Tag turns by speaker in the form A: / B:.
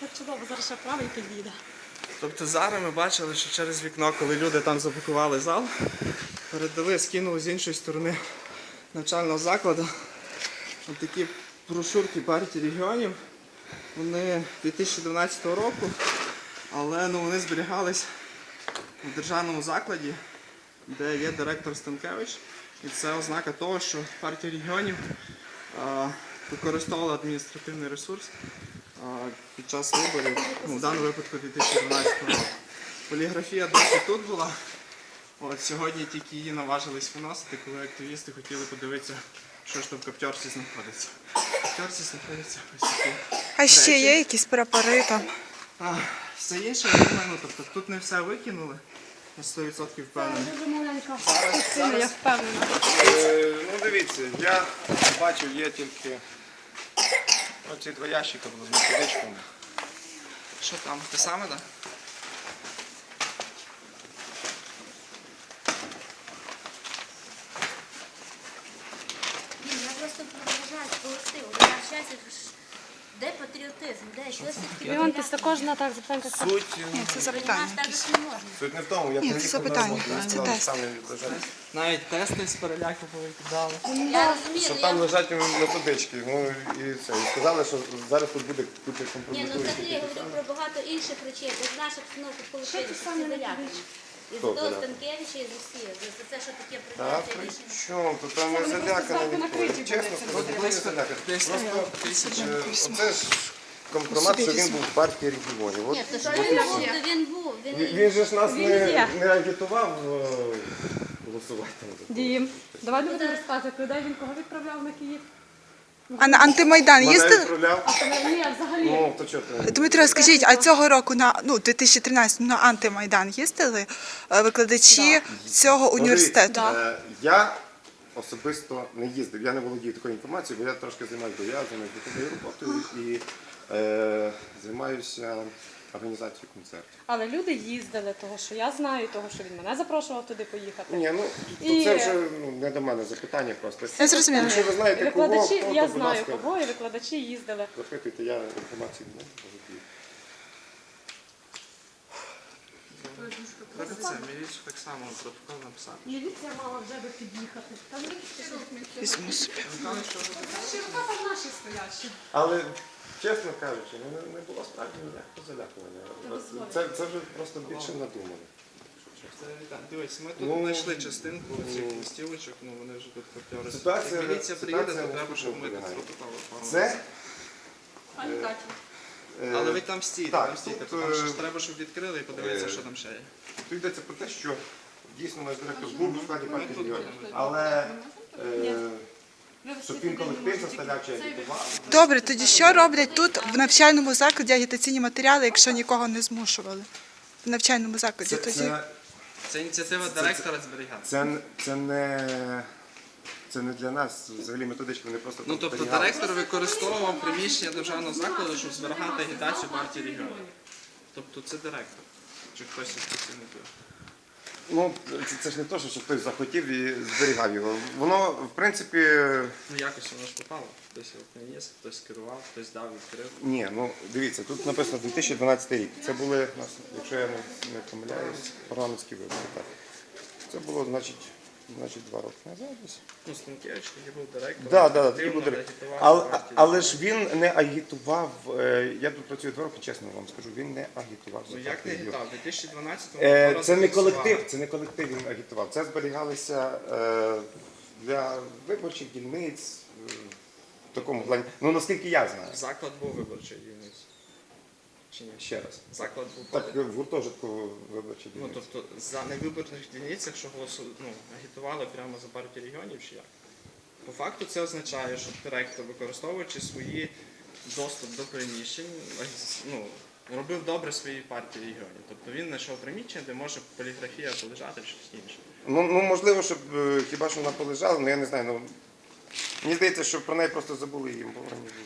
A: Так чудово, зараз ще правий підійде.
B: Тобто зараз ми бачили, що через вікно, коли люди там заблокували зал, передали, скинули з іншої сторони навчального закладу ось такі брошурки партії регіонів. Вони 2012 року, але вони зберігались у державному закладі, де є директор Станкевич. І це ознака того, що партія регіонів використовувала адміністративний ресурс під час виборів, в даному випадку 2012 року. Поліграфія досі тут була. Сьогодні тільки її наважились виносити, коли активісти хотіли подивитися, що ж там в каптьорці знаходиться. В каптьорці знаходяться ось такі
C: А ще
B: речі.
C: є якісь прапори там?
B: Все інше, я думаю, тобто тут не все викинули, на 100% впевнений.
A: Дуже маленька частина, я впевнена.
D: Ну дивіться, я бачив, є тільки оці два ящика з методичками.
B: Що там, те саме, так?
E: Я просто вважаю колектив. Я щастя, де патріотизм, де щось таке.
A: Леонтис, також на так запитанка.
D: Суть,
C: Це запитання.
E: Так же не можна.
D: суть не в тому, я
C: Ні, це
D: приїхав
C: запитання,
D: на роботу,
C: це
D: я
C: тест.
D: сам не бажаю.
B: Навіть тести з переляку повикидали.
E: Я розумію,
D: Що
E: я...
D: там лежать методички, і це. І сказали, що зараз тут буде купа
E: Ні,
D: компроментуючи.
E: взагалі я говорю про багато інших речей. Бо з наших обстановок в колективі всі залякані. І з
D: Хто
E: того
D: заляканий?
E: Станкевича, і з усіх. За це, що таке
D: Та
E: прийняття
D: при
E: рішення.
D: чому? То там не заляканий ніхто. Чесно, не заляканий.
B: Десь
D: Оце ж компромат, що він був в партії регіонів. От
E: Ні, то що він був, то він був.
D: він же ж нас
A: є.
D: не агітував голосувати.
A: Дім, давай не будемо розказувати, людей він кого відправляв на Київ.
C: А на антимайдан
D: Мене
C: їздили?
D: відправляв.
A: Ні, взагалі.
D: Ну, то чого ти?
C: Дмитро, скажіть, а цього року на 2013 на антимайдан їздили викладачі цього університету?
D: Я особисто не їздив, я не володію такою інформацією, бо я трошки займаюся пов'язаною роботою і займаюся організацією концертів.
A: Але люди їздили, того що я знаю, того що він мене запрошував туди поїхати.
D: Ні, ну
A: І-
D: це вже не до мене запитання просто.
C: Я зрозуміла.
D: Якщо ви знаєте кого,
A: Викладачі,
D: хто,
A: я
D: то, будь
A: знаю
D: ласка,
A: кого, і викладачі їздили.
D: запитуйте, я інформацію не володію.
B: Треба це, міліцію так само протокол написати.
A: Міліція мала вже би під'їхати. Там
C: Візьму собі.
A: широка там наші стоящі.
D: Але, чесно кажучи, не було справді ніякого залякування. Це вже просто більше надумано.
B: Дивись, ми тут
D: Ну,
B: знайшли частинку цих листівочок, вони вже тут каптьори.
D: Ситуація-
B: Як міліція приїде, то
D: ситуація
B: треба, щоб ми тут
D: полягає.
B: протокол оформили.
D: Це
A: Пані Каті.
B: Але ви там стійте,
D: так,
B: там стійте,
D: тут,
B: тому що ж треба, щоб відкрили і подивитися, що там ще є.
D: тут йдеться про те, що дійсно наш директор був у складі партії регіонів. Але щоб він колектив заставляв чи агітував.
C: Добре, тоді що роблять тут в навчальному закладі агітаційні матеріали, якщо нікого не змушували? В навчальному закладі тоді.
B: Це ініціатива директора зберігати.
D: Це не для нас взагалі методички, вони просто
B: Ну, тобто
D: зберігали.
B: директор використовував приміщення державного закладу, щоб зберігати агітацію партії регіонів. Тобто це директор. Чи хтось із працівників.
D: Ну, це ж не те, що хтось захотів і зберігав його. Воно, в принципі,
B: Ну якось воно ж попало. Хтось його приніс, хтось керував, хтось дав, відкрив.
D: ні, ну дивіться, тут написано 2012 рік. Це були, якщо я не помиляюсь, парламентські вибори. Так. Це було, значить 2 роки назад. десь.
B: Ну, Станкевич, який був директором,
D: Так,
B: активно
D: такий буде.
B: агітував партію
D: Але ж
B: регіонів.
D: він не агітував, я тут працюю 2 роки, чесно вам скажу, він не агітував за
B: Ну як не
D: партію.
B: агітував? У 2012-му
D: Це не колектив, це не колектив він агітував. Це зберігалися для виборчих дільниць в такому плані. Ну наскільки я знаю.
B: Заклад був виборчий дільниць. Чи ні?
D: Ще раз.
B: Заклад був.
D: Так, в гуртожитку виборчих
B: Ну,
D: дільниць.
B: тобто за невиборних дільницях, що агітували прямо за партію регіонів, чи як? По факту це означає, що директор, використовуючи свої доступ до приміщень, робив добре своїй партії регіонів. Тобто він знайшов приміщення, де може поліграфія полежати чи щось інше.
D: Ну можливо, щоб хіба що вона полежала, але я не знаю. Мені здається, що про неї просто забули їм.